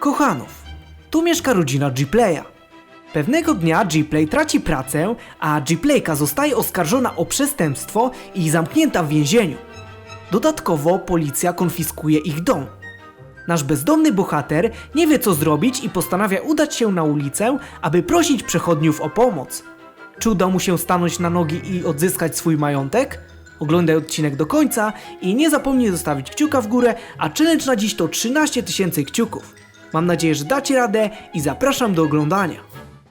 Kochanów. Tu mieszka rodzina Gplay'a. Pewnego dnia Gplay traci pracę, a Gplayka zostaje oskarżona o przestępstwo i zamknięta w więzieniu. Dodatkowo policja konfiskuje ich dom. Nasz bezdomny bohater nie wie co zrobić i postanawia udać się na ulicę, aby prosić przechodniów o pomoc. Czy uda mu się stanąć na nogi i odzyskać swój majątek? Oglądaj odcinek do końca i nie zapomnij zostawić kciuka w górę, a challenge na dziś to 13 000 kciuków. Mam nadzieję, że dacie radę i zapraszam do oglądania.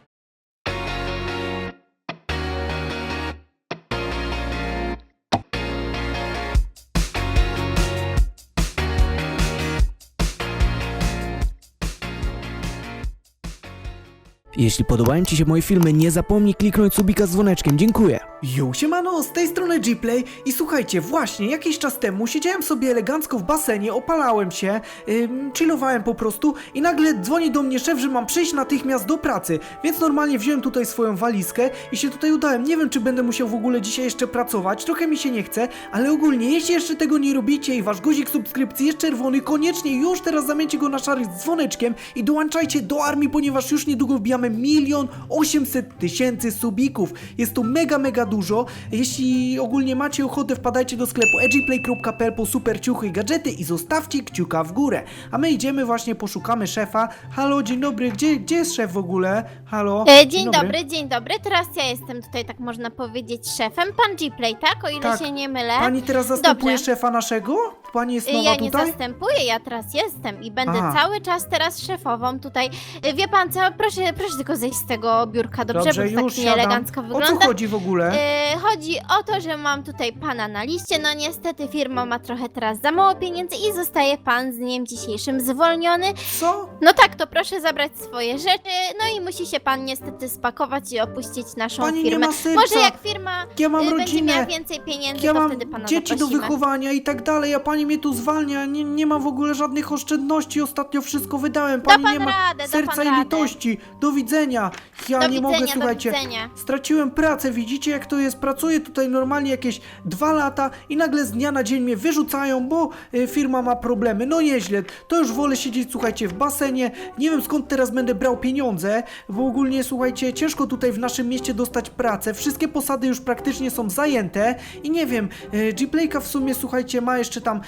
Jeśli podobają Ci się moje filmy, nie zapomnij kliknąć subika z dzwoneczkiem, dziękuję. Yo, siemano, z tej strony Gplay i słuchajcie, właśnie jakiś czas temu siedziałem sobie elegancko w basenie, opalałem się, chillowałem po prostu i nagle dzwoni do mnie szef, że mam przyjść natychmiast do pracy, więc normalnie wziąłem tutaj swoją walizkę i się tutaj udałem. Nie wiem, czy będę musiał w ogóle dzisiaj jeszcze pracować, trochę mi się nie chce, ale ogólnie, jeśli jeszcze tego nie robicie i wasz guzik subskrypcji jest czerwony, koniecznie już teraz zamieńcie go na szary z dzwoneczkiem i dołączajcie do armii, ponieważ już niedługo wbijamy 1 800 000 subików. Jest to mega dużo. Jeśli ogólnie macie ochotę, wpadajcie do sklepu edgyplay.pl po super ciuchy i gadżety i zostawcie kciuka w górę. A my idziemy właśnie, poszukamy szefa. Halo, dzień dobry, gdzie jest szef w ogóle? Halo? Dzień dobry. Teraz ja jestem tutaj, tak można powiedzieć, szefem. Pan Gplay, tak? O ile Tak. się nie mylę. Pani teraz zastępuje Dobrze. szefa naszego? Pani jest nowa Ja nie tutaj? zastępuję, ja teraz jestem i będę Aha. cały czas teraz szefową tutaj. Wie pan co? Proszę tylko zejść z tego biurka, dobrze? Dobrze, Bo to już tak siadam. nieelegancko O wygląda. co chodzi w ogóle? Chodzi o to, że mam tutaj pana na liście. No niestety firma ma trochę teraz za mało pieniędzy i zostaje pan z dniem dzisiejszym zwolniony. Co? No tak, to proszę zabrać swoje rzeczy. No i musi się pan niestety spakować i opuścić naszą Pani nie firmę. ma serca. Może jak firma Ja mam będzie rodzinę. miała więcej pieniędzy, Ja to mam wtedy pana dzieci do zaprosimy. wychowania i tak dalej, a pani mnie tu zwalnia, nie ma w ogóle żadnych oszczędności, ostatnio wszystko wydałem, pani pan nie ma radę, da serca pan i radę. litości, do widzenia, ja Do nie widzenia, mogę, do słuchajcie, widzenia. straciłem pracę, widzicie jak to jest, pracuję tutaj normalnie jakieś 2 lata i nagle z dnia na dzień mnie wyrzucają, bo firma ma problemy, no nieźle, to już wolę siedzieć, słuchajcie, w basenie, nie wiem skąd teraz będę brał pieniądze, bo ogólnie, słuchajcie, ciężko tutaj w naszym mieście dostać pracę, wszystkie posady już praktycznie są zajęte i nie wiem, Gplayka w sumie, słuchajcie, ma jeszcze tam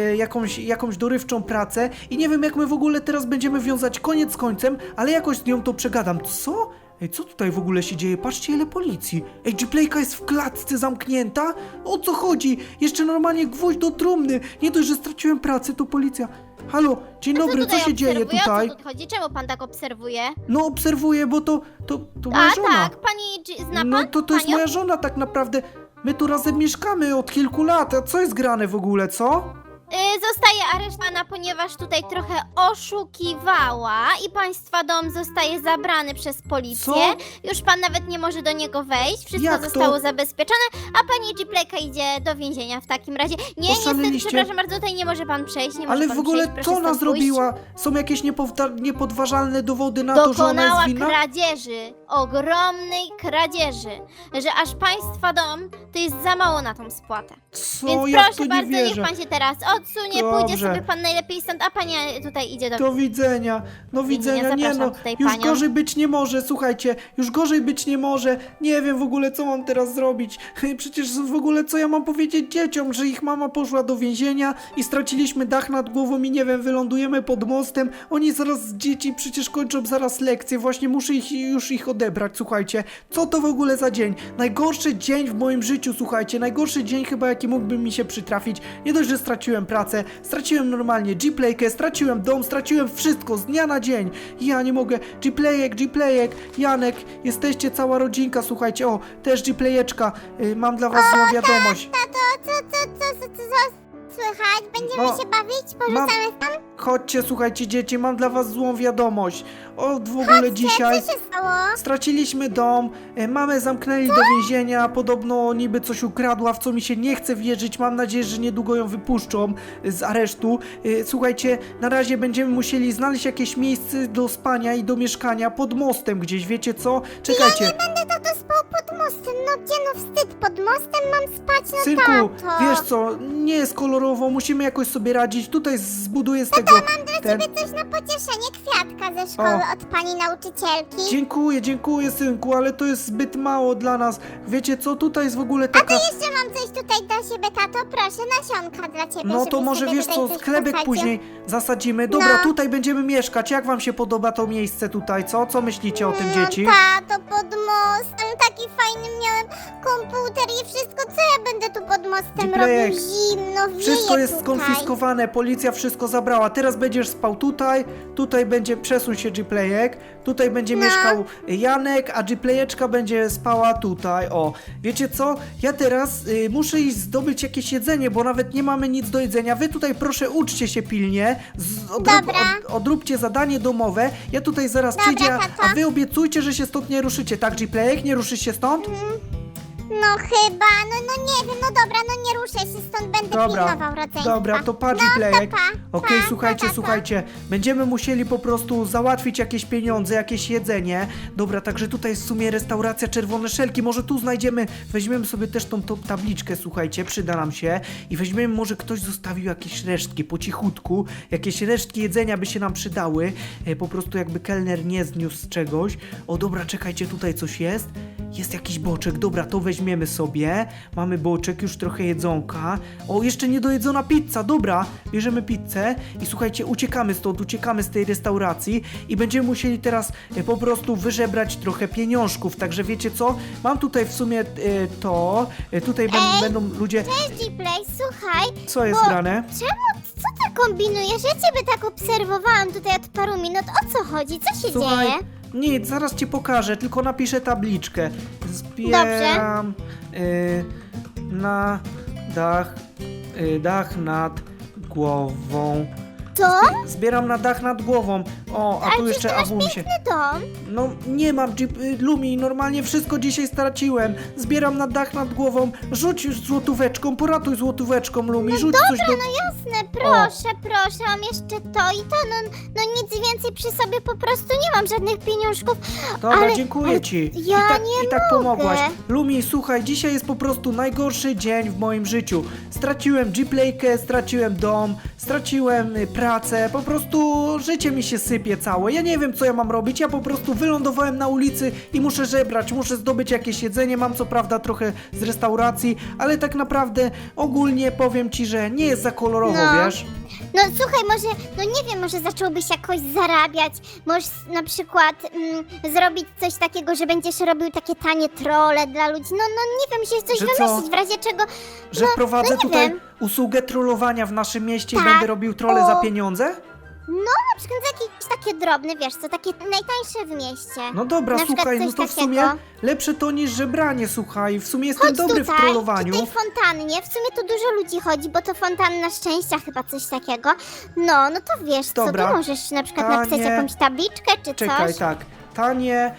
jakąś dorywczą pracę i nie wiem jak my w ogóle teraz będziemy wiązać koniec z końcem, ale jakoś z nią to przegadam. Co? Ej, co tutaj w ogóle się dzieje? Patrzcie ile policji. Ej, Gplayka jest w klatce zamknięta? O co chodzi? Jeszcze normalnie gwóźdź do trumny. Nie dość, że straciłem pracę, to policja. Halo, dzień dobry, co się dzieje tutaj? O co tu chodzi? Czemu pan tak obserwuje? No obserwuję, bo to moja żona. Tak, pani zna pan? No to jest panią? moja żona tak naprawdę. My tu razem mieszkamy od kilku lat, a co jest grane w ogóle, co? Zostaje aresztowana, ponieważ tutaj trochę oszukiwała i państwa dom zostaje zabrany przez policję. Co? Już pan nawet nie może do niego wejść, wszystko Jak to? zostało zabezpieczone, a pani Gplayka idzie do więzienia w takim razie. Nie, niestety, Oszaleliście? przepraszam bardzo, tutaj nie może pan przejść, nie może Ale pan w ogóle przejść, proszę co ona stąd pójść. zrobiła? Są jakieś niepodważalne dowody na to, że ona Dokonała jest winna? kradzieży, ogromnej kradzieży, że aż państwa dom to jest za mało na tą spłatę. Co? Więc Ja w proszę to nie bardzo, niech wierzę. pan się teraz odsunie, Dobrze. pójdzie sobie pan najlepiej stąd, a pani tutaj idzie do... Do widzenia. No widzenia, nie zapraszam no. tutaj Już panią. gorzej być nie może, słuchajcie. Już gorzej być nie może. Nie wiem w ogóle co mam teraz zrobić. Przecież w ogóle co ja mam powiedzieć dzieciom, że ich mama poszła do więzienia i straciliśmy dach nad głową i nie wiem, wylądujemy pod mostem. Oni zaraz, dzieci przecież kończą zaraz lekcje. Właśnie muszę już ich odebrać, słuchajcie. Co to w ogóle za dzień? Najgorszy dzień w moim życiu, słuchajcie. Najgorszy dzień chyba jaki mógłby mi się przytrafić. Nie dość, że straciłem pracę, straciłem normalnie Gplaykę, straciłem dom, straciłem wszystko z dnia na dzień. Ja nie mogę. Gplayek, Janek, jesteście cała rodzinka, słuchajcie. O, też Gplayeczka. Mam dla was złą wiadomość. Co słychać? Będziemy O, się bawić? Porzucamy tam? Chodźcie, słuchajcie dzieci, mam dla was złą wiadomość. O, w ogóle dzisiaj Co się stało? straciliśmy dom, mamę zamknęli do więzienia, podobno niby coś ukradła, w co mi się nie chce wierzyć, mam nadzieję, że niedługo ją wypuszczą z aresztu. Słuchajcie, na razie będziemy musieli znaleźć jakieś miejsce do spania i do mieszkania pod mostem gdzieś, wiecie co? Czekajcie. Ja nie będę tato spał pod mostem, no gdzie no wstyd, pod mostem mam spać, no Synku, tato. wiesz co, nie jest kolorowo kolorowo, musimy jakoś sobie radzić. Tutaj zbuduję z tego ten... Ciebie coś na pocieszenie, kwiatka ze szkoły od pani nauczycielki. Dziękuję, synku, ale to jest zbyt mało dla nas. Wiecie co, tutaj jest w ogóle taka... Jeszcze mam coś tutaj dla siebie, tato, proszę, nasionka dla ciebie. No to żebyś może sobie wiesz tutaj co, coś sklep posadził. później zasadzimy. Dobra, No. tutaj będziemy mieszkać. Jak wam się podoba to miejsce tutaj, co? Co myślicie o tym, dzieci? Tato, pod mostem, taki fajny miałem komputer i wszystko, co ja będę tu pod mostem Dziplejek, robił? Zimno, wieje Wszystko jest tutaj. skonfiskowane, policja wszystko zabrała. Teraz będziesz spał tutaj będzie, przesuń się Gplejek, tutaj będzie mieszkał Janek, a Gplejeczka będzie spała tutaj. O, wiecie co? Ja teraz muszę iść zdobyć jakieś jedzenie, bo nawet nie mamy nic do jedzenia. Wy tutaj proszę uczcie się pilnie, Dobra. odróbcie zadanie domowe. Ja tutaj zaraz Dobra, przyjdę, tato. a wy obiecujcie, że się stąd nie ruszycie, tak Gplejek? Nie ruszysz się stąd? No chyba, no nie wiem, no dobra, no nie ruszę się stąd, będę pilnował rodzeństwa. Dobra, to patrz No, Plejek. to pa, Okej, pa, słuchajcie, pa, pa. słuchajcie. Będziemy musieli po prostu załatwić jakieś pieniądze, jakieś jedzenie. Dobra, także tutaj jest w sumie restauracja Czerwone Szelki. Może tu znajdziemy, weźmiemy sobie też tą tabliczkę, słuchajcie, przyda nam się. I weźmiemy, może ktoś zostawił jakieś resztki po cichutku. Jakieś resztki jedzenia by się nam przydały. Po prostu jakby kelner nie zniósł z czegoś. O, dobra, czekajcie, tutaj coś jest. Jest jakiś boczek, dobra, to weźmiemy sobie. Mamy boczek, już trochę jedzonka. O, jeszcze niedojedzona pizza, dobra. Bierzemy pizzę i słuchajcie, uciekamy stąd, uciekamy z tej restauracji i będziemy musieli teraz po prostu wyżebrać trochę pieniążków. Także wiecie co? Mam tutaj w sumie tutaj będą ludzie... Cześć, Gplay, słuchaj, Co jest grane? co ty kombinujesz? Ja ciebie tak obserwowałam tutaj od paru minut, o co chodzi? Co się Słuchaj, dzieje? nic, zaraz ci pokażę, tylko napiszę tabliczkę. Zbieram na dach nad głową. Co? Zbieram na dach nad głową. O, a Ale tu przecież jeszcze ty masz AW mi się... piękny dom. No nie mam Lumi, normalnie wszystko dzisiaj straciłem. Zbieram na dach nad głową. Rzuć złotóweczką, poratuj złotóweczką, Lumi, rzuć coś do... No jasne, proszę, mam jeszcze to i to, no nic więcej przy sobie po prostu nie mam, żadnych pieniążków. Dobra, ale, dziękuję ale ci. Ja nie I tak mogę. pomogłaś. Lumi, słuchaj, dzisiaj jest po prostu najgorszy dzień w moim życiu. Straciłem Gplaykę, straciłem dom, straciłem pracę, po prostu życie mi się sypie całe. Ja nie wiem, co ja mam robić, ja po prostu wylądowałem na ulicy i muszę żebrać, muszę zdobyć jakieś jedzenie, mam co prawda trochę z restauracji, ale tak naprawdę ogólnie powiem ci, że nie jest za kolorowo, No. wiesz? No słuchaj, nie wiem, może zacząłbyś jakoś zarabiać, możesz na przykład zrobić coś takiego, że będziesz robił takie tanie trolle dla ludzi, no nie wiem, musisz coś Że co? wymyślić, w razie czego, Że wprowadzę nie tutaj wiem. usługę trollowania w naszym mieście i Tak. będę robił trolle za O. pieniądze? na przykład za jakieś takie drobne, wiesz co, takie najtańsze w mieście. No dobra, Na przykład słuchaj, no coś to w takiego. sumie lepsze to niż żebranie, słuchaj. W sumie jestem Chodź dobry tutaj, w trollowaniu. przy tej fontannie, w sumie tu dużo ludzi chodzi, bo to fontanna szczęścia chyba coś takiego. No to wiesz Dobra. co, tu możesz na przykład Tanie. napisać jakąś tabliczkę czy Czekaj, coś. tak. Tanie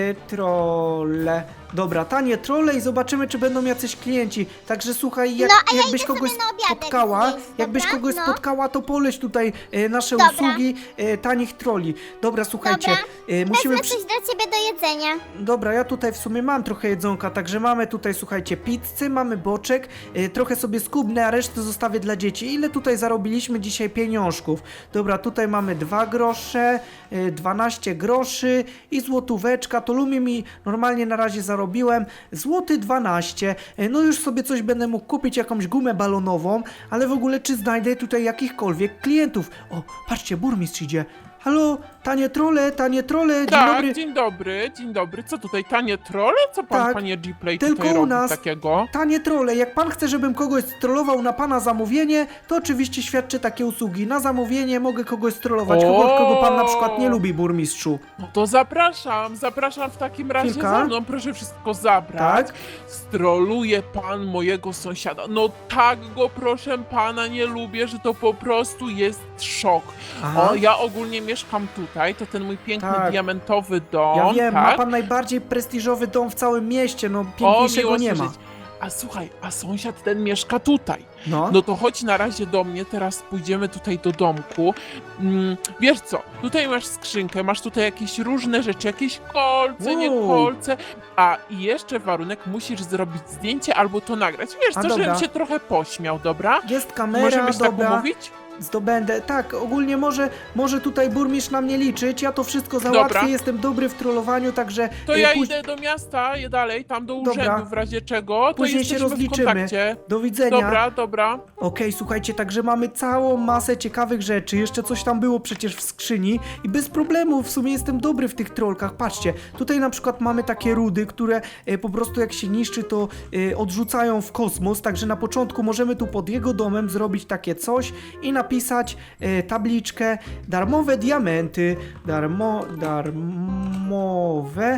trolle. Dobra, tanie trolle i zobaczymy, czy będą jacyś klienci. Także słuchaj, No, a ja jakbyś idę kogoś sobie na obiadek spotkała, zjeść, jakbyś dobra? kogoś No. spotkała, to poleć tutaj nasze Dobra. usługi tanich trolli. Dobra, słuchajcie, Dobra. musimy... Wezmę coś dla ciebie do jedzenia. Dobra, ja tutaj w sumie mam trochę jedzonka, także mamy tutaj, słuchajcie, pizzy, mamy boczek, trochę sobie skubnę, a resztę zostawię dla dzieci. Ile tutaj zarobiliśmy dzisiaj pieniążków? Dobra, tutaj mamy 2 grosze, 12 groszy i złotóweczka, to Lumie mi normalnie na razie zarobiłem, złoty 12, no już sobie coś będę mógł kupić, jakąś gumę balonową, ale w ogóle czy znajdę tutaj jakichkolwiek klientów? O, patrzcie, burmistrz idzie. Halo, tanie trolle, dzień Tak, dobry. dzień dobry. Co tutaj, tanie trolle? Co pan, Tak, panie Gplay, tylko tutaj u robi nas. takiego? Tanie trolle, jak pan chce, żebym kogoś strollował na pana zamówienie, to oczywiście świadczę takie usługi. Na zamówienie mogę kogoś strollować, kogo pan na przykład nie lubi, burmistrzu. No to zapraszam w takim razie Chwilka. za mną, proszę wszystko zabrać. Tak. Stroluje pan mojego sąsiada. No tak go, proszę pana, nie lubię, że to po prostu jest szok. Aha. O, ja ogólnie mieszkam tutaj, to ten mój piękny Tak. diamentowy dom, Ja wiem, tak? ma pan najbardziej prestiżowy dom w całym mieście, no O, piękniejszego miło nie ma. słyszeć. A słuchaj, a sąsiad ten mieszka tutaj. No. No to chodź na razie do mnie, teraz pójdziemy tutaj do domku. Wiesz co, tutaj masz skrzynkę, masz tutaj jakieś różne rzeczy, jakieś kolce, nie Wow. kolce. A i jeszcze warunek, musisz zrobić zdjęcie albo to nagrać. Wiesz A co, dobra. żebym się trochę pośmiał, dobra? Jest kamera, Możemy się tak dobra. umówić? Zdobędę. Tak, ogólnie może tutaj burmistrz na mnie liczyć, ja to wszystko załatwię, Dobra. jestem dobry w trollowaniu, także To ja póź- idę do miasta, je dalej, tam do Dobra. urzędu w razie czego, to Później się jesteśmy w rozliczymy. kontakcie. Do widzenia. Dobra. Okej, słuchajcie, także mamy całą masę ciekawych rzeczy, jeszcze coś tam było przecież w skrzyni i bez problemu, w sumie jestem dobry w tych trollkach, patrzcie, tutaj na przykład mamy takie rudy, które po prostu jak się niszczy, to odrzucają w kosmos, także na początku możemy tu pod jego domem zrobić takie coś i napisać tabliczkę darmowe diamenty, darmowe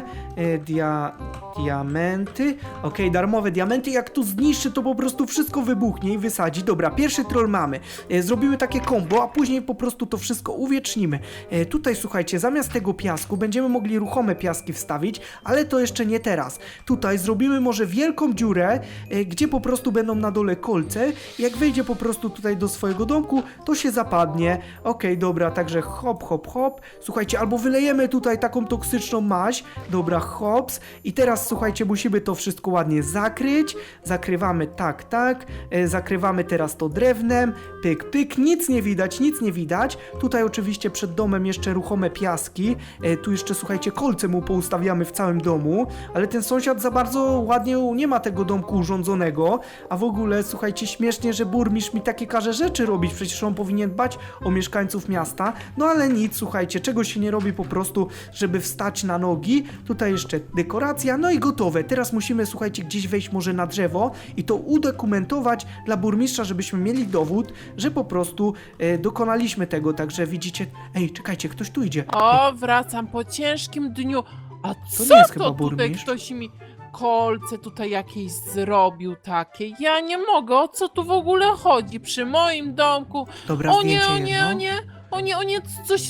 diamenty, okej, darmowe diamenty, jak tu zniszczy, to po prostu wszystko wybuchnie i wysadzi. Dobra, pierwszy troll mamy. Zrobimy takie combo, a później po prostu to wszystko uwiecznimy. Tutaj słuchajcie, zamiast tego piasku będziemy mogli ruchome piaski wstawić, ale to jeszcze nie teraz. Tutaj zrobimy może wielką dziurę, gdzie po prostu będą na dole kolce. Jak wejdzie po prostu tutaj do swojego domku, to się zapadnie. Okej, dobra, także hop, hop, hop. Słuchajcie, albo wylejemy tutaj taką toksyczną maź. Dobra, hops. I teraz słuchajcie, musimy to wszystko ładnie zakryć. Zakrywamy tak. Zakrywamy teraz to drewnem. Pyk, pyk. Nic nie widać, nic nie widać. Tutaj oczywiście przed domem jeszcze ruchome piaski. Tu jeszcze słuchajcie, kolce mu poustawiamy w całym domu. Ale ten sąsiad za bardzo ładnie nie ma tego domku urządzonego. A w ogóle słuchajcie, śmiesznie, że burmistrz mi takie każe rzeczy robić. Przecież on powinien dbać o mieszkańców miasta. No ale nic, słuchajcie, czego się nie robi po prostu, żeby wstać na nogi. Tutaj jeszcze dekoracja, no i gotowe. Teraz musimy, słuchajcie, gdzieś wejść może na drzewo i to udokumentować dla burmistrza, żebyśmy mieli dowód, że po prostu dokonaliśmy tego. Także widzicie... Ej, czekajcie, ktoś tu idzie. O, wracam po ciężkim dniu. A To co nie jest chyba to tutaj burmistrz. ktoś mi kolce tutaj jakieś zrobił takie? Ja nie mogę, o co tu w ogóle chodzi? Przy moim domku. Dobra, O nie, zdjęcie o nie, jedno. o nie. O nie,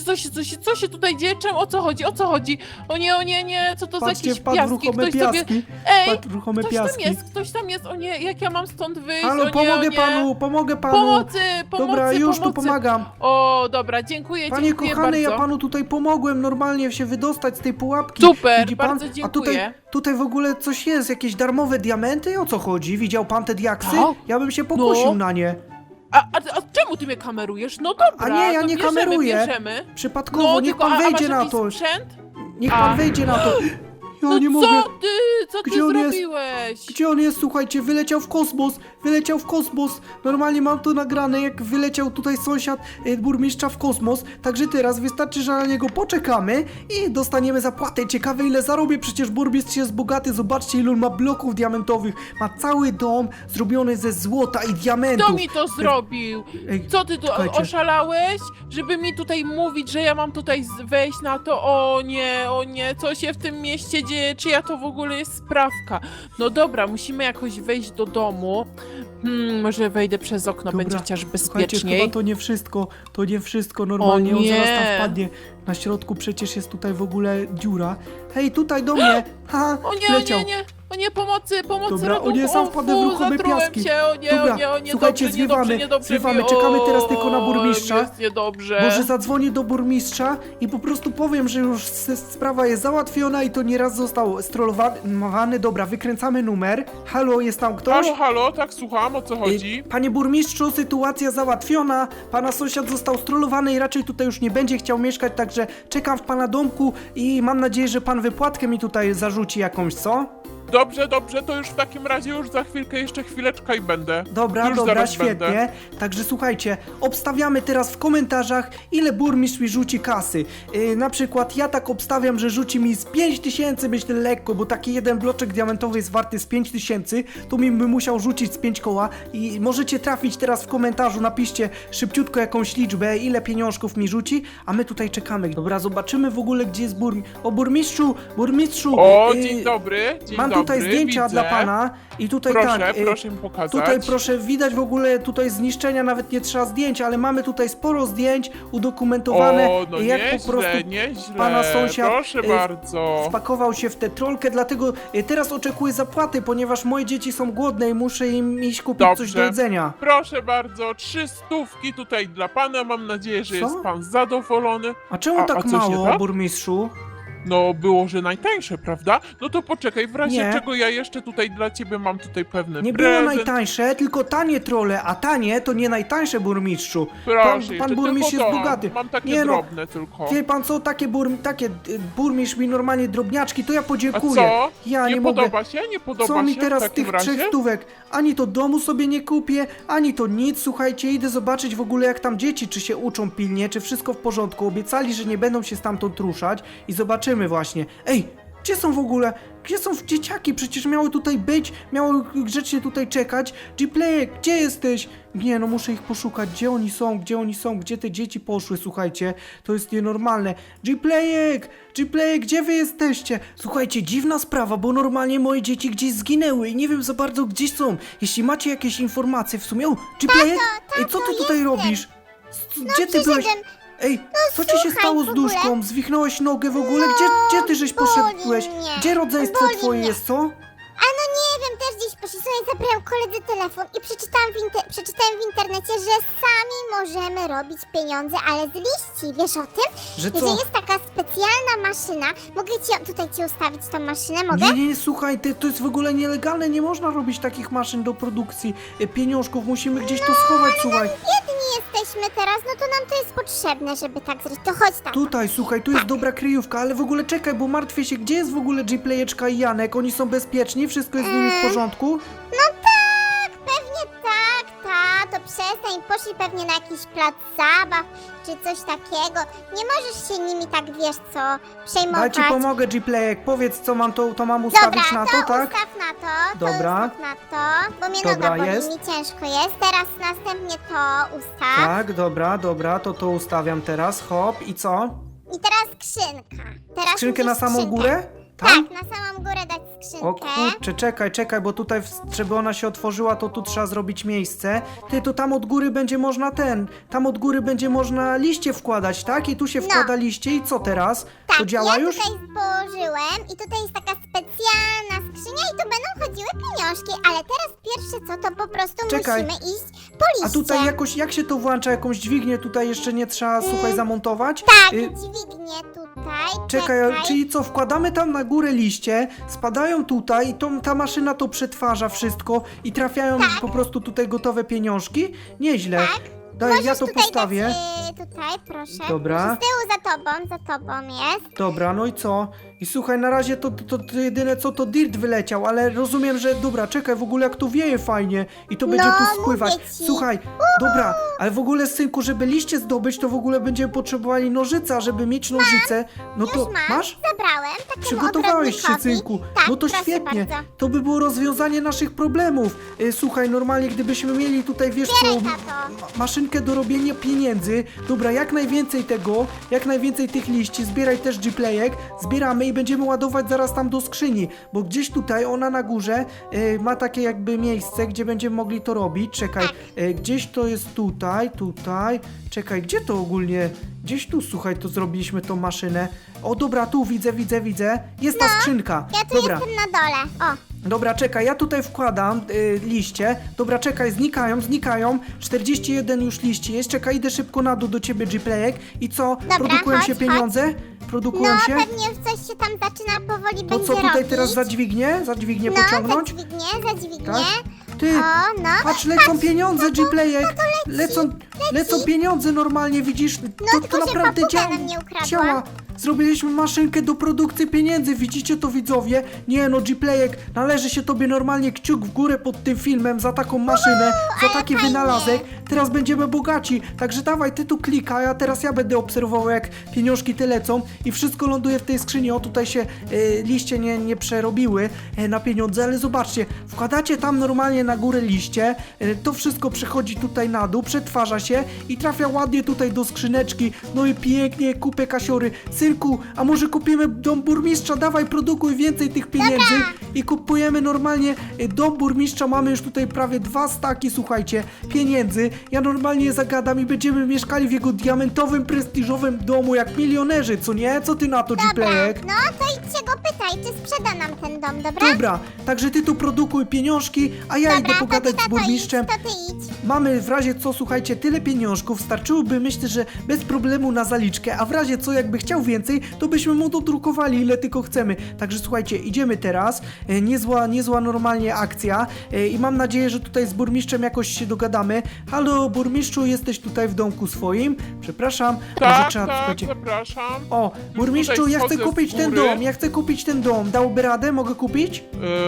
co się tutaj dzieje? Czemu? O co chodzi? O nie, co to Patrzcie, za jakieś wpadł w piaski? ruchome Ktoś sobie... piaski. Ej, Wpadł w ruchome piaski. ktoś tam jest, o nie, jak ja mam stąd wyjść? Halo, o nie, pomogę o nie. panu, pomogę panu. Pomocy, Dobra, już tu pomocy. pomagam. O, dobra, dziękuję Panie bardzo. kochany, ja panu tutaj pomogłem normalnie się wydostać z tej pułapki. Super, Widzi pan? bardzo A dziękuję. tutaj w ogóle coś jest, jakieś darmowe diamenty? O co chodzi? Widział pan te diaksy? Tak. Ja bym się pokusił No. na nie. A czemu ty mnie kamerujesz? No dobra, A nie, ja to nie bierzemy, kameruję. bierzemy. Przypadkowo, No, niech tylko, pan a wejdzie masz na jakiś to. sprzęt? Niech pan wejdzie na to. Ja No nie co mogę. co ty Gdzie on jest? zrobiłeś? Gdzie on jest? Słuchajcie, wyleciał w kosmos. Normalnie mam to nagrane, jak wyleciał tutaj sąsiad burmistrza w kosmos. Także teraz wystarczy, że na niego poczekamy i dostaniemy zapłatę. Ciekawe, ile zarobię, przecież burmistrz jest bogaty. Zobaczcie, ile on ma bloków diamentowych. Ma cały dom zrobiony ze złota i diamentów. Kto mi to zrobił? Ej, Co ty tu czekajcie. oszalałeś? Żeby mi tutaj mówić, że ja mam tutaj wejść na to? O nie, co się w tym mieście dzieje? Czyja to w ogóle jest sprawka? No dobra, musimy jakoś wejść do domu. Może wejdę przez okno, Dobra, będzie chociaż Słuchajcie, bezpieczniej. chyba to nie wszystko normalnie, O on zaraz tam nie. wpadnie. Na środku przecież jest tutaj w ogóle dziura. Hej, tutaj do mnie! Ha, leciał. O nie, pomocy, Dobra, ratunku, o nie, sam wpadłem w ruchome zatrułem piaski. się, Dobra, słuchajcie, zwiewamy, czekamy teraz tylko na burmistrza. Jest niedobrze. Może zadzwonię do burmistrza i po prostu powiem, że już sprawa jest załatwiona i to nieraz został strollowany. Dobra, wykręcamy numer. Halo, jest tam ktoś? Halo, tak, słucham, o co chodzi? Panie burmistrzu, sytuacja załatwiona. Pana sąsiad został strollowany i raczej tutaj już nie będzie chciał mieszkać, także czekam w pana domku i mam nadzieję, że pan wypłatkę mi tutaj zarzuci jakąś, co? Dobrze, to już w takim razie już za chwilkę, jeszcze chwileczkę i będę. Dobra, Już dobra, zaraz świetnie. będę. Także słuchajcie, obstawiamy teraz w komentarzach, ile burmistrz mi rzuci kasy. Na przykład ja tak obstawiam, że rzuci mi z 5000, myślę lekko, bo taki jeden bloczek diamentowy jest warty z 5000, to mi by musiał rzucić z 5 koła i możecie trafić teraz w komentarzu, napiszcie szybciutko jakąś liczbę, ile pieniążków mi rzuci, a my tutaj czekamy. Dobra, zobaczymy w ogóle, gdzie jest burmistrz. O, burmistrzu! O, dzień dobry, dzień Mam tutaj dobry, zdjęcia widzę. dla pana i tutaj Proszę, tak. proszę mi pokazać. Tutaj proszę, widać w ogóle tutaj zniszczenia, nawet nie trzeba zdjęć, ale mamy tutaj sporo zdjęć udokumentowane, O, no jak nieźle, po prostu nieźle. pana sąsiad Proszę bardzo. wpakował się w tę trolkę, dlatego teraz oczekuję zapłaty, ponieważ moje dzieci są głodne i muszę im iść kupić coś do jedzenia. Proszę bardzo, 300 tutaj dla pana. Mam nadzieję, że Co? jest pan zadowolony. A czemu tak coś nie mało, tak? burmistrzu? No, było, że najtańsze, prawda? No to poczekaj, w razie Nie. czego ja jeszcze tutaj dla ciebie mam tutaj pewny Nie było prezent. najtańsze, tylko tanie trole, a tanie to nie najtańsze, burmistrzu. Proszę, pan jeszcze burmistrz tylko jest to. bogaty. Mam takie Nie no, drobne tylko. Wie pan co, takie burmistrz mi normalnie drobniaczki, to ja A podziękuję. co? Ja nie mogę. podoba się? Nie podoba Co mi się teraz w z takim tych razie? 3 stówek? Ani to domu sobie nie kupię, ani to nic. Słuchajcie, idę zobaczyć w ogóle jak tam dzieci, czy się uczą pilnie, czy wszystko w porządku. Obiecali, że nie będą się stamtąd ruszać i zobaczymy właśnie. Ej, gdzie są w ogóle? Gdzie są dzieciaki? Przecież miały tutaj być, miały grzecznie tutaj czekać. Gplayek, gdzie jesteś? Nie, no muszę ich poszukać. Gdzie oni są? Gdzie oni są? Gdzie te dzieci poszły? Słuchajcie, to jest nienormalne. Gplayek, gdzie wy jesteście? Słuchajcie, dziwna sprawa, bo normalnie moje dzieci gdzieś zginęły i nie wiem za bardzo gdzie są. Jeśli macie jakieś informacje w sumie... O, Gplayek? Ej, co ty tutaj robisz? Gdzie ty byłeś? przyszedłem. Ej, co ci się słuchaj, stało w z ogóle- duszką? Zwichnąłeś nogę w ogóle? Gdzie ty żeś poszedłeś? mnie. Gdzie rodzeństwo Boli twoje mnie. jest, co? A no nie wiem, też gdzieś poszli sobie, zabrałem koledze telefon i przeczytałem w internecie, że sami możemy robić pieniądze, ale z liści. Wiesz o tym? Że I że co? jest taka specjalna maszyna. Mogę tutaj ci ustawić tą maszynę? Mogę? Nie, słuchaj, to jest w ogóle nielegalne, nie można robić takich maszyn do produkcji pieniążków, musimy gdzieś to schować, słuchaj. Biedni jesteśmy teraz, no to nam to jest potrzebne, żeby tak zrobić. To chodź tam. Tutaj, słuchaj, tu jest dobra kryjówka, ale w ogóle czekaj, bo martwię się, gdzie jest w ogóle Gplayeczka i Janek? Oni są bezpieczni? Wszystko jest z nimi w porządku? No tak, pewnie tak, to przestań, poszli pewnie na jakiś plac zabaw, czy coś takiego. Nie możesz się nimi tak, wiesz co, przejmować. Daj ci pomogę, Gplayek, powiedz co mam to mam ustawić Dobra, na to, tak? ustaw na to, Dobra. ustaw na to, bo mnie Dobra, noga boli, jest. mi ciężko jest. Teraz następnie to ustaw. Tak, dobra, to ustawiam teraz, hop, i co? I teraz skrzynka. Teraz Skrzynkę na musisz samą skrzynkę. górę? Tak, Tam? na samą górę dać skrzynkę. O kurczę, czekaj, bo tutaj, żeby ona się otworzyła, to tu trzeba zrobić miejsce. Ty, to tam od góry będzie można tam od góry będzie można liście wkładać, tak? I tu się wkłada liście i co teraz? Tak, To działa ja już? tutaj położyłem i tutaj jest taka specjalna skrzynia i tu będą chodziły pieniążki, ale teraz pierwsze co, to po prostu Czekaj. musimy iść po liście. A tutaj jakoś, jak się to włącza? Jakąś dźwignię tutaj jeszcze nie trzeba, słuchaj, zamontować? Tak, Y, dźwignię tutaj, Czekaj, czyli co, wkładamy tam na górę liście, spadają tutaj i ta maszyna to przetwarza wszystko i trafiają po prostu tutaj gotowe pieniążki? Nieźle. Daj, Możesz ja to tutaj postawię. Dać, tutaj, proszę. Dobra. Z tyłu za tobą jest. Dobra, no i co? I słuchaj, na razie to jedyne co to dirt wyleciał, ale rozumiem, że dobra, czekaj, w ogóle jak to wieje fajnie i to będzie No, tu spływać. mówię ci. Słuchaj, dobra, ale w ogóle synku, żeby liście zdobyć, to w ogóle będziemy potrzebowali nożyca, żeby mieć nożyce. No to Już mam, masz? zabrałem takiemu Przygotowałeś się, ogrodnikowi. synku. Tak, No to proszę świetnie. bardzo. To by było rozwiązanie naszych problemów. Słuchaj, normalnie gdybyśmy mieli tutaj, wiesz co, Zbieraj, tato. maszynkę do robienia pieniędzy. Dobra, jak najwięcej tego, jak najwięcej tych liści. Zbieraj też Gplayek. Zbieramy i będziemy ładować zaraz tam do skrzyni, bo gdzieś tutaj, ona na górze ma takie jakby miejsce, gdzie będziemy mogli to robić. Czekaj, gdzieś to jest tutaj. Czekaj, gdzie to ogólnie? Gdzieś tu, słuchaj, to zrobiliśmy tą maszynę. O, dobra, tu widzę. Jest ta skrzynka. Ja tu Dobra. jestem na dole. O, Dobra, czekaj, ja tutaj wkładam liście. Dobra, czekaj, znikają. 41 już liści jest. Czekaj, idę szybko na dół do ciebie, Gplayek. I co? Produkują chodź, się pieniądze? Produkują no się? pewnie już coś się tam zaczyna powoli To będzie co tutaj robić. teraz za dźwignię? Za dźwignię No, pociągnąć? za dźwignię. Tak? Ty, O, no. patrz, lecą pieniądze, Gplayek. leci. Lecą pieniądze normalnie, widzisz? To tylko, że naprawdę papuga nam nie ukradła. działa. Zrobiliśmy maszynkę do produkcji pieniędzy, widzicie to, widzowie? Nie no, Gplayek, należy się tobie normalnie kciuk w górę pod tym filmem za taką maszynę, za ale taki fajnie. wynalazek. Teraz będziemy bogaci, także dawaj, ty tu klikaj, a teraz ja będę obserwował, jak pieniążki te lecą i wszystko ląduje w tej skrzyni. O, tutaj się liście nie przerobiły na pieniądze, ale zobaczcie, wkładacie tam normalnie na górę liście, to wszystko przechodzi tutaj na dół, przetwarza się i trafia ładnie tutaj do skrzyneczki. No i pięknie, kupę kasiory. synku, a może kupimy dom burmistrza, dawaj, produkuj więcej tych pieniędzy i kupujemy normalnie dom burmistrza, mamy już tutaj prawie 2 staki, słuchajcie, pieniędzy, ja normalnie je zagadam i będziemy mieszkali w jego diamentowym, prestiżowym domu jak milionerzy, co nie? Co ty na to, Gplayek? No to idźcie go pytaj, czy sprzeda nam ten dom, dobra? Dobra, także ty tu produkuj pieniążki, a ja idę pogadać z burmistrzem. To ty idź. Mamy w razie co, słuchajcie, tyle pieniążków, starczyłoby, myślę, że bez problemu na zaliczkę, a w razie co, jakby chciał więcej, to byśmy mu dodrukowali ile tylko chcemy. Także słuchajcie, idziemy teraz, niezła normalnie akcja i mam nadzieję, że tutaj z burmistrzem jakoś się dogadamy. Halo, burmistrzu, jesteś tutaj w domku swoim? Przepraszam, może Tak, trzeba, tak, słuchajcie... zapraszam. O, burmistrzu, tutaj ja chcę schodzę z kupić ten góry. dom, ja chcę kupić ten dom. Dałby radę? Mogę kupić?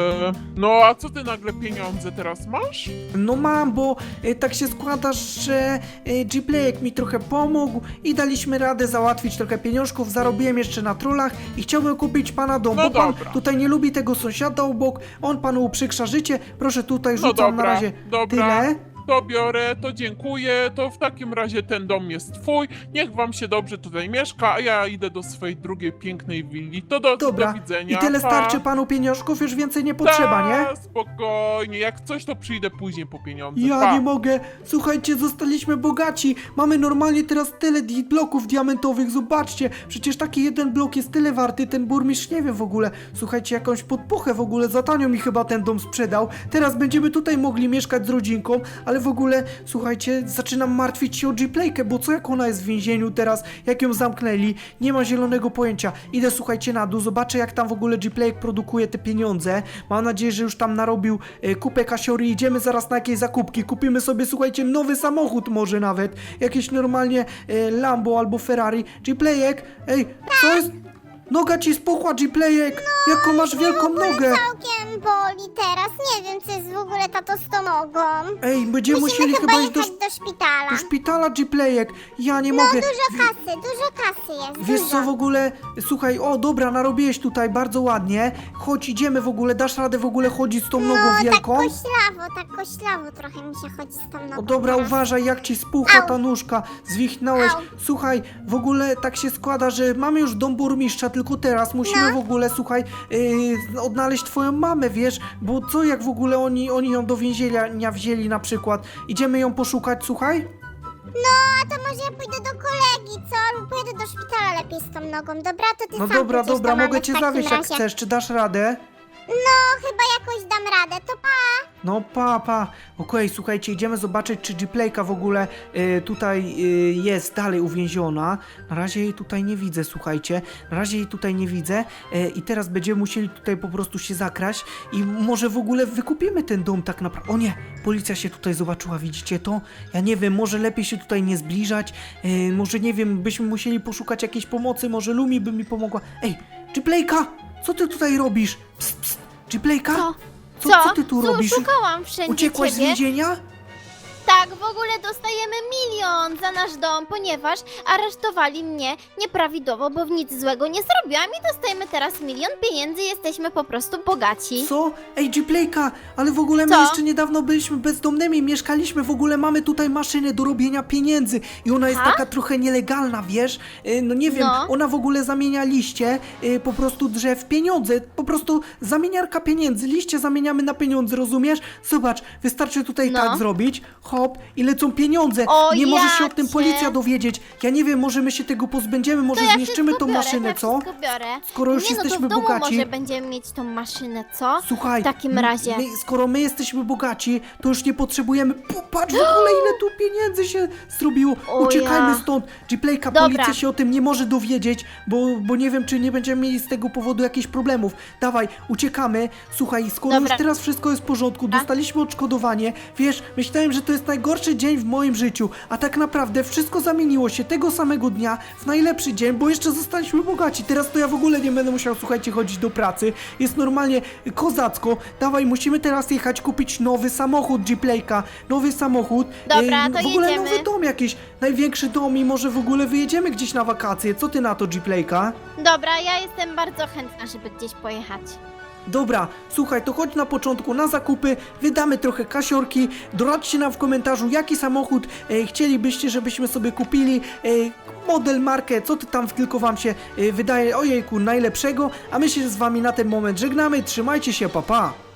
No a co ty nagle pieniądze teraz masz? No mam, bo tak się składa, że Gplayek mi trochę pomógł i daliśmy radę załatwić trochę pieniążków, zarobiłem jeszcze na trollach i chciałbym kupić pana dom, No bo pan dobra. tutaj nie lubi tego sąsiada obok, on panu uprzykrza życie, proszę tutaj No rzucam dobra, na razie dobra. tyle. To biorę, to dziękuję, to w takim razie ten dom jest twój, niech wam się dobrze tutaj mieszka, a ja idę do swojej drugiej pięknej willi. To do Dobra, widzenia. i tyle pa. starczy panu pieniążków, już więcej nie potrzeba, nie? Ta, spokojnie, jak coś to przyjdę później po pieniądze. Ja pa. nie mogę. Słuchajcie, zostaliśmy bogaci. Mamy normalnie teraz tyle bloków diamentowych. Zobaczcie, przecież taki jeden blok jest tyle warty. Ten burmistrz nie wie w ogóle. Słuchajcie, jakąś podpuchę w ogóle za tanio mi chyba ten dom sprzedał. Teraz będziemy tutaj mogli mieszkać z rodzinką, ale w ogóle, słuchajcie, zaczynam martwić się o Gplaykę, bo co jak ona jest w więzieniu teraz, jak ją zamknęli? Nie ma zielonego pojęcia. Idę, słuchajcie, na dół, zobaczę jak tam w ogóle Gplayek produkuje te pieniądze. Mam nadzieję, że już tam narobił kupę kasiory. Idziemy zaraz na jakieś zakupki. Kupimy sobie, słuchajcie, nowy samochód może nawet. Jakieś normalnie Lambo albo Ferrari. Gplayek, ej, co jest? Noga ci spuchła, Gplayek! Jaką masz wielką nogę! Całkiem boli teraz, nie wiem co jest w ogóle tato z tą nogą. Ej, będziemy Musimy musieli chyba iść do szpitala. szpitala, Gplayek. Ja nie mogę. Dużo kasy jest, Wiesz dużo. co w ogóle, słuchaj, o dobra, narobiłeś tutaj bardzo ładnie. Chodź, idziemy w ogóle, dasz radę w ogóle chodzić z tą nogą wielką? Tak koślawo trochę mi się chodzi z tą nogą. O dobra, teraz. uważaj jak ci spuchła Au. ta nóżka, zwichnąłeś. Au. Słuchaj, w ogóle tak się składa, że mamy już dom burmistrza, tylko teraz musimy No. w ogóle, słuchaj, odnaleźć twoją mamę, wiesz? Bo co jak w ogóle oni ją do więzienia wzięli na przykład? Idziemy ją poszukać, słuchaj? No, a to może ja pójdę do kolegi, co? Albo pojedę do szpitala lepiej z tą nogą, dobra? To ty No sam dobra, pójdziesz dobra, do mamy mogę w cię takim zawieźć jak razie. chcesz, czy dasz radę? No, chyba jakoś dam radę, to pa! No pa. Okej, słuchajcie, idziemy zobaczyć, czy Gplayka w ogóle tutaj jest dalej uwięziona. Na razie jej tutaj nie widzę, słuchajcie. Na razie jej tutaj nie widzę i teraz będziemy musieli tutaj po prostu się zakraść i może w ogóle wykupimy ten dom tak naprawdę. O nie, policja się tutaj zobaczyła, widzicie to? Ja nie wiem, może lepiej się tutaj nie zbliżać. Może nie wiem, byśmy musieli poszukać jakiejś pomocy, może Lumi by mi pomogła. Ej, Gplayka, co ty tutaj robisz? Psst, Gplayka? Co? Co ty tu robisz? Szukałam wszędzie Uciekłaś z ciebie. więzienia? Tak, w ogóle dostajemy 1 000 000 za nasz dom, ponieważ aresztowali mnie nieprawidłowo, bo nic złego nie zrobiłam i dostajemy teraz 1 000 000 pieniędzy, jesteśmy po prostu bogaci. Co? Ej, Gplayka, ale w ogóle my Co? jeszcze niedawno byliśmy bezdomnymi, mieszkaliśmy, w ogóle mamy tutaj maszynę do robienia pieniędzy i ona jest Ha? taka trochę nielegalna, wiesz? No nie wiem, No. ona w ogóle zamienia liście, po prostu drzew w pieniądze, po prostu zamieniarka pieniędzy, liście zamieniamy na pieniądze, rozumiesz? Zobacz, wystarczy tutaj No. tak zrobić, hop, i lecą pieniądze, O, nie może się o tym jacie. policja dowiedzieć, ja nie wiem, może my się tego pozbędziemy, może To ja zniszczymy wszystko tą biorę, maszynę, to co? ja wszystko biorę. Skoro już Nie, no to jesteśmy w domu bogaci. może będziemy mieć tą maszynę, co? Słuchaj, W takim razie. skoro my jesteśmy bogaci, to już nie potrzebujemy. Patrz w ogóle, ile tu pieniędzy się zrobiło. O Uciekajmy ja. stąd. Gplayka, Dobra. policja się o tym nie może dowiedzieć, bo nie wiem, czy nie będziemy mieli z tego powodu jakichś problemów. Dawaj, uciekamy. Słuchaj, skoro Dobra. już teraz wszystko jest w porządku, dostaliśmy odszkodowanie. Wiesz, myślałem, że to jest najgorszy dzień w moim życiu, a tak naprawdę wszystko zamieniło się tego samego dnia w najlepszy dzień, bo jeszcze zostaliśmy bogaci. Teraz to ja w ogóle nie będę musiał, słuchajcie, chodzić do pracy. Jest normalnie kozacko. Dawaj, musimy teraz jechać kupić nowy samochód Gplayka. Nowy samochód. Dobra, to w ogóle jedziemy. nowy dom jakiś. Największy dom i może w ogóle wyjedziemy gdzieś na wakacje. Co ty na to, Gplayka? Dobra, ja jestem bardzo chętna, żeby gdzieś pojechać. Dobra, słuchaj, to chodź na początku na zakupy, wydamy trochę kasiorki, doradźcie nam w komentarzu, jaki samochód chcielibyście, żebyśmy sobie kupili, model, markę, co tam tylko wam się wydaje, ojejku, najlepszego, a my się z wami na ten moment żegnamy, trzymajcie się, pa pa!